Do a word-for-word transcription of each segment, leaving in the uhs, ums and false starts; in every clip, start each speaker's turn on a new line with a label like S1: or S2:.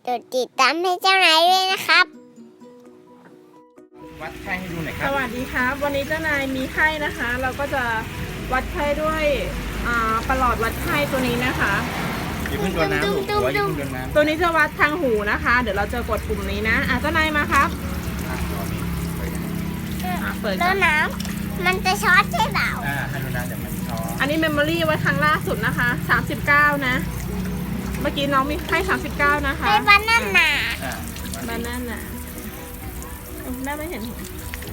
S1: กดติดตามให้เจ้านายด้วยนะครับ
S2: วัดไข้ให้ดูหน่อยค
S3: ส
S2: รับ
S3: วัสดีครับ วันนี้เจ้านายมีไข้นะคะ เราก็จะวัดไข้ด้วยอ่าประหลอดวัดไข้ตัวนี้นะคะ
S2: อย่าเพิ่งโดนน้ำหนูหัวอย่าเพิ่งโดนน้ำ
S3: ตัวนี้จะวัดทางหูนะคะ เดี๋ยวเราจะกดปุ่มนี้นะอ่ะเจ้านายมาครับ
S2: อ่ะรอนี่ไปนะ
S3: อ่ะเปิด
S1: แล้
S3: ก่อ
S1: วน น้ำมันจะช็อตใช่เปล่า
S2: อ่าให้โดนน้ำแต่มันท้อ
S3: อันนี้เมมโมรี่ไว้ครั้งล่าสุดนะคะสามสิบเก้านะ เมื่อกี้น้องมีไข้สามสิบเก้านะคะ
S1: ให้บ้านนั่นหนา
S2: อ่า
S3: บ้านนั่นน่ะเอ้าแม่ไม่เห็นหู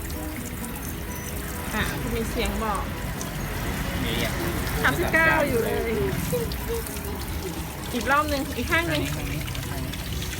S3: อ่ะมีเสียงบอก
S2: มีอ่ะ
S3: สามสิบเก้าอยู่เลย อีกรอบหนึ่งอีกข้างหนึ่ง
S2: ข้างนี้ข้างนี้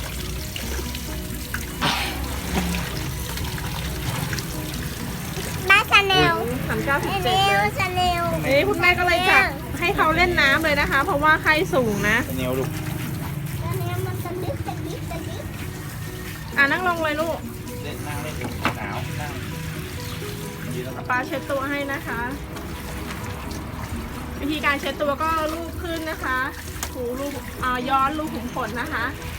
S1: บ้านชาแนล
S3: สามเก้าสิบ
S1: ชา
S3: เจ็
S1: แน
S3: ด
S1: ล
S3: เลย
S1: ชาแนล
S3: เอ้คุณแม่ก็เลยจับให้เขาเล่นน้ำเลยนะคะ เพราะว่าไข้สูงนะ
S2: เป็นแนวลูก
S1: ชาแนลมันจะลึกจะลึกจะลึก
S3: อ่ะนั่งลงเลยลูก
S2: เล่นนั่งเล่นอยู่หนาวนั่งยืนแล้วครับ
S3: ป้าเช็ดตัวให้นะคะ วิธีการเช็ดตัวก็ลูบขึ้นนะคะถูลูบอ่าย้อนลูบขุมขนนะคะ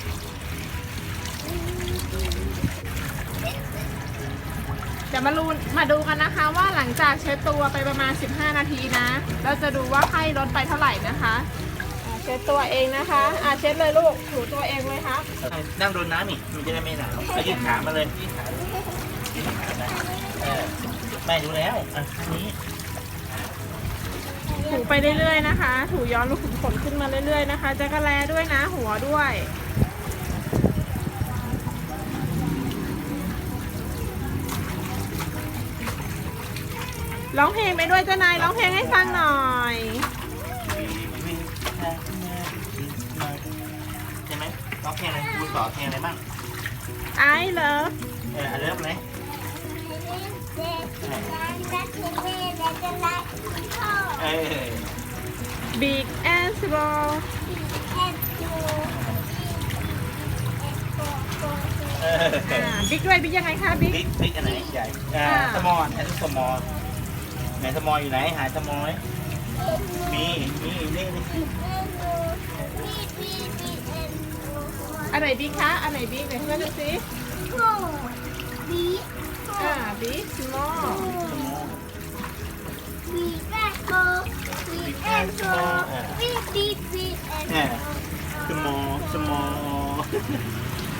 S3: เดี๋ยวมาดูมาดูกันนะคะ ว่าหลังจากเช็ดตัวไปประมาณสิบห้านาทีนะเราจะดูว่าไข้ลดไปเท่าไหร่นะคะอ่าเช็ดตัวเองนะคะอ่าเช็ดเลยลูกถูตัวเองเลยครับ
S2: นั่งโดนน้ำอีกมันจะได้ไม่หนาวเอายืดขามาเลยยืดขายืดขาได้เออแม่ดูแล้วอ่ะอันนี้
S3: ถูไปเรื่อยๆนะคะ ถูย้อนลูกขุมขนขึ้นมาเรื่อยๆนะคะจะกระแลด้วยนะ หัวด้วยร้องเพลงไปด้วยเจ้านายร้องเพลงให้ฟังหน่อย
S2: ใช่ไหมร้องเพลงอะไรครูสอนเพลงอะไรบ้าง
S3: I love
S2: เออเริ่มเลย
S1: เด็กร้านรักเด็กแม่และจะรักพ่อ
S2: เออ
S3: big and small
S1: แอนจู
S2: เออ
S3: อ่า big ด้วย big ยังไงคะ big
S2: บิ๊กบิ๊กอันไหนใหญ่อ่า
S3: อ่า
S2: สมอลแอนสมอลไหนสมอลอยู่ไหนหาสมอลไหมมีมีนี่นี่
S3: อันไหน big คะอันไหน big เดี๋ยวเพื่อนดูสิอ่า big small
S2: เนี่ยสมอลสมอล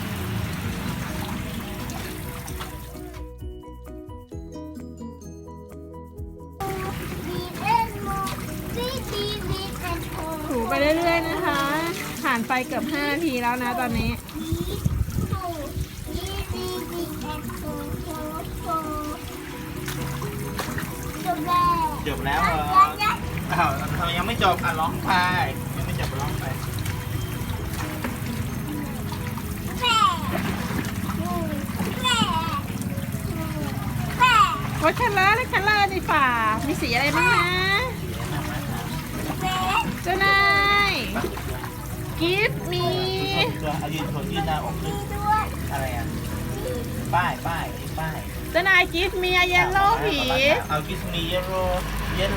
S3: ถูไปเรื่อยๆนะคะ ผ่านไปเกือบห้านาทีแล้วนะตอนนี้
S2: จบแล้วเหรออ้าวทำไมยังไม่จบอ่ะร้องไปยังไม่จบร้องไป
S3: รถคันละรถคันละในฝ่ามีสีอะไรบ้างนะเจ้านาย give me
S2: ตัวเอายืนโถยืนหน้าอกขึ้นอะไรอ่ะป้ายป้ายป้าย
S3: เจ้านาย give me a yellow ผี
S2: เอากิสมีเยลโล่เยลโล่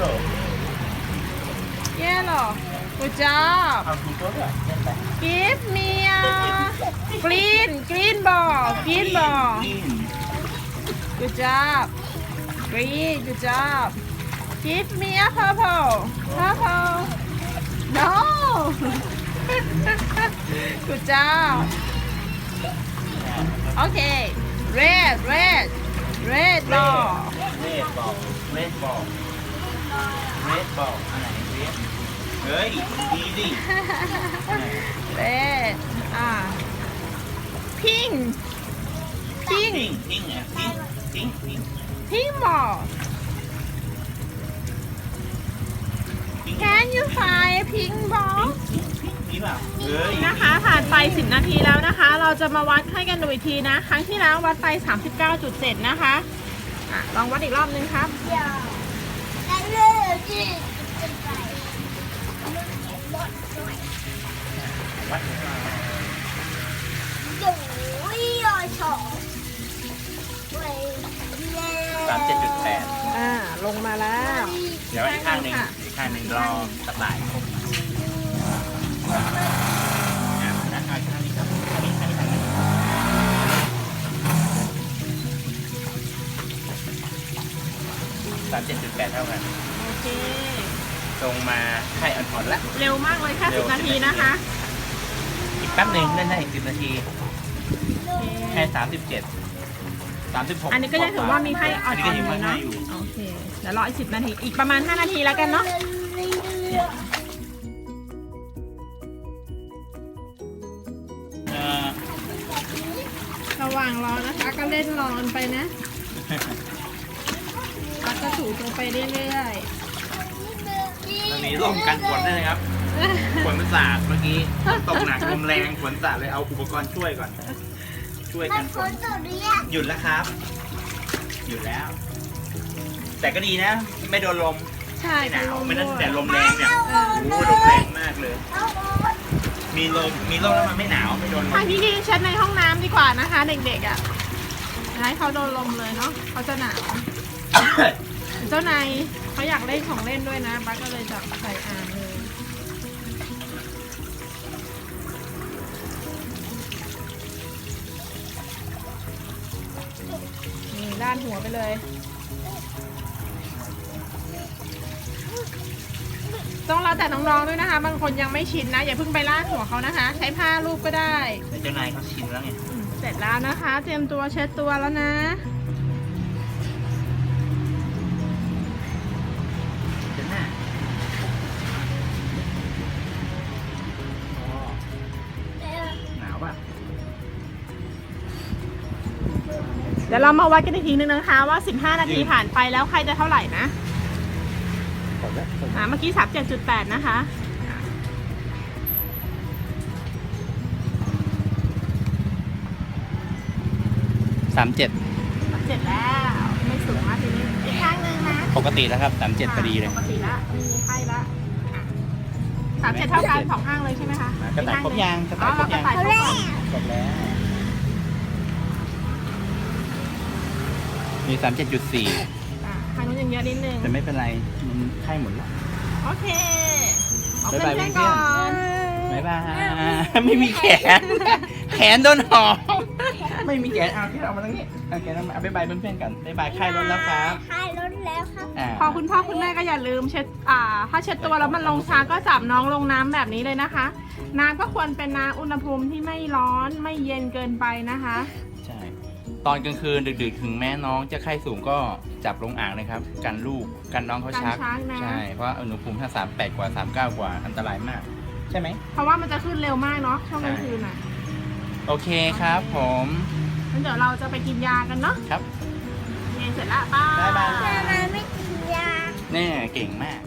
S3: yellow good job
S2: เอาถูกตัวด้วยเล่นไป
S3: give me a green green ball green ball good job green good job give me a purple purple no good job okay red red red ball
S2: เรดบอลเรดบอลเรดบอลอันไหนเรดเฮ้ยดีดิ
S3: red อ่า pink
S2: พิง
S3: pink
S2: พิงอ่ะพิงพิงพิง
S3: pink ball
S2: พิง
S3: can you find a pink ball
S2: นี่เปล่าเฮ้ย
S3: นะคะผ่านไปสิบนาทีแล้วนะคะ เราจะมาวัดให้กันดูอีกทีนะ ครั้งที่แล้ววัดไป สามสิบเก้าจุดเจ็ด นะคะอ่ะลองวัดอีกรอบนึงครับ
S2: วัด สามเจ็ดจุดแปด
S3: อ่าลงมาแล้ว
S2: เดี๋ยวอีกข้างหนึ่งอีกข้างหนึ่งรอสลายครบอ่านะเอาข้างนี้ครับข้างนี้ข้างนี้ดเท่ากัน
S3: โอเค
S2: ตรงมาไข่อ่อนๆแล้ว
S3: เร็วมากเลยแค่
S2: เร็
S3: สิ
S2: ว
S3: บนาทีนะคะ
S2: อีกแป๊บหนึ่งเล่นได้อีกสิบนาที
S3: โอเค
S2: แค่สามสิบเจ็ดสามสิบหก
S3: อันนี้ก็ยังถือว่ามีไข่อ่อน
S2: นนี้ก็
S3: ๆ
S2: ยัง
S3: เล
S2: ไม่
S3: ย
S2: ให้
S3: เนาะ
S2: อยู่
S3: โอเคเดี๋ยวรออีกสิบนาทีอีกประมาณห้านาทีแล้วกันเนาะระหว่างรอนะคะก็เล่นรอกันไปนะแล้วก็ถูตัวไปเรื่อย
S2: ตอนนี้ร่มกันฝนด้วยนะครับ ฝนมันสาดเมื่อกี้ตกหนักลมแรงฝนสาดเลยเอาอุปกรณ์ช่วยก่อน ช่วย
S1: มั
S2: กัน น
S1: ฝ
S2: ฝ
S1: น
S2: น
S1: ตกหรือยัง
S2: หยุดแล้วครับ หยุดแล้ว แต่ก็ดีนะ ไม่โดนลม
S3: ๆ ใช่
S2: ไม่หนาว
S3: ลม
S2: ไม่นั่น
S3: ด้วย
S2: แต่ลมแรงเนี่ย
S3: เออ
S2: โอ้โหลมแรงมากเลย
S1: เอาโอ๊ย
S2: มีลมมีลมแล้วมันไม่หนาวไม่โดนล
S3: ทาม งที่ดีเช็ดในห้องน้ำดีกว่านะคะ เด็กๆอ่ะให้เขาโดนลมเลยเนาะเขาจะหนาวเจ้านายเขาอยากเล่นของเล่นด้วยนะบ้าก็เลยจับใส่อ่างเลยนี่ด้านหัวไปเลย ต้องเราแต่น้องๆด้วยนะคะ บางคนยังไม่ชินนะ อย่าเพิ่งไปลาดหัวเขานะคะ ใช้ผ้าลูบก็ได้
S2: แต่เจ้านายเขาชินแล้วไง
S3: อืมเสร็จแล้วนะคะ เตรียมตัวเช็ดตัวแล้วนะ
S2: เจ้าหน้าอ๋อหนาวป่ะ
S3: เดี๋ยวเรามาวัดกันอีกทีนึงนะคะว่า สิบห้า นาทีผ่านไปแล้วใครจะเท่าไหร่นะ
S2: ขอแล้ว
S3: อ่าเมื่อกี้ สามสิบเจ็ดจุดแปด นะคะ
S2: สามเจ็ด
S3: สามสิบเจ็ดแล้ว ไม่สูงมากทีนี้ อีกข้างหนึงนะ
S2: ปกติแล้วครับสามเจ็ดพอดีเลย
S3: ปกติละไม่มีไข้ละสามเจ็ดเท่ากันสองข้างเลยใช่ไหมคะ
S2: กระต่ายครบยังกระต่ายครบยัง
S3: อ๋อเรากระต่ายครบก่อน
S2: ครบแล้ว มีสามเจ็ดจุดสี่
S3: อ่าข้างนู้นยังเยอะนิดนึง
S2: แต่ไม่เป็นไร มันไข้หมดแล้ว
S3: โอเคเอา
S2: บ๊ายบาย
S3: เพื่อนๆ
S2: เพื่
S3: ก่
S2: อ
S3: อน น
S2: บ๊ายบาย ไม่มีแขน แขนโดนหอมไม่มีแขน เอาที่เรามาตรงนี้โอเคแล้วมาเอาบ๊ายบายเพื่อนๆกันบ๊ายบายไข้ลดแล้วครับ
S1: ไข้ลดแล้วครับ
S2: อ่า
S3: พอคุณพ่อคุณแม่ก็อย่าลืมเช็ด อ่า ถ้าเช็ดตัวแล้วมันลงช้าก็จับน้องลงน้ำแบบนี้เลยนะคะ น้ำก็ควรเป็นน้ำอุณหภูมิที่ไม่ร้อนไม่เย็นเกินไปนะคะ
S2: ใช่ ตอนกลางคืนดึกๆ ถึงแม่น้องจะไข้สูงก็จับลงอ่างเลยครับ กันลูก กันน้องเขาชัก
S3: กันชักนะ
S2: ใช่ เพราะว่าอุณหภูมิถ้าสามแปดกว่าสามเก้ากว่าอันตรายมาก ใช่ไหม
S3: เพราะว่ามันจะขึ้นเร็วมากเนาะช่วงกลางคืนอ่ะ
S2: โอเคครับผม
S3: งั้นเดี๋ยวเราจะไปกินยากันเนาะ
S2: ครับ
S3: เย็นเสร็จละป้า
S2: บ๊ายบาย
S1: ทำไมไม่กินยา
S2: แน่เก่งมาก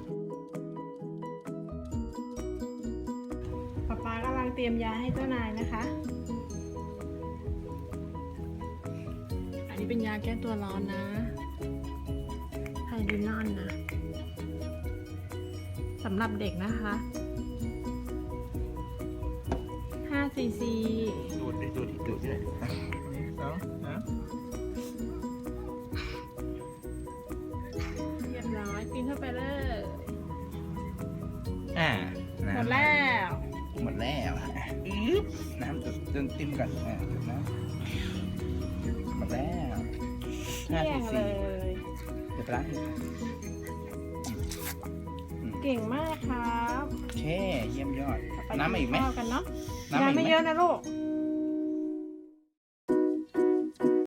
S3: ป๊าป๊ากำลังเตรียมยาให้เจ้านายนะคะ อันนี้เป็นยาแก้ตัวร้อนนะไทลินอนนะสำหรับเด็กนะคะห้าซีซี
S2: ดูดดิดูดิดูดเลยสองนะ
S3: เรียบร้อยกินเข้าไปเลย
S2: อ่า
S3: หมดแล้ว
S2: หมดแล้วอึ๊บน้ำจุดจนติ้มก่อนอ่าจุดน้ำหมดแล้วห้า
S3: เที่ย
S2: สี่
S3: งเล
S2: สี่
S3: ย
S2: เดี๋ยวไปล้างอีก
S3: เก่งมากครับ
S2: โอเคเยี่ยมยอด
S3: ไป
S2: น้ำมาอีกไหม
S3: ข้าวกันเนาะ
S2: น้ำ
S3: ยา
S2: มาอีก
S3: ไม่
S2: ไหม
S3: เยอะนะลูก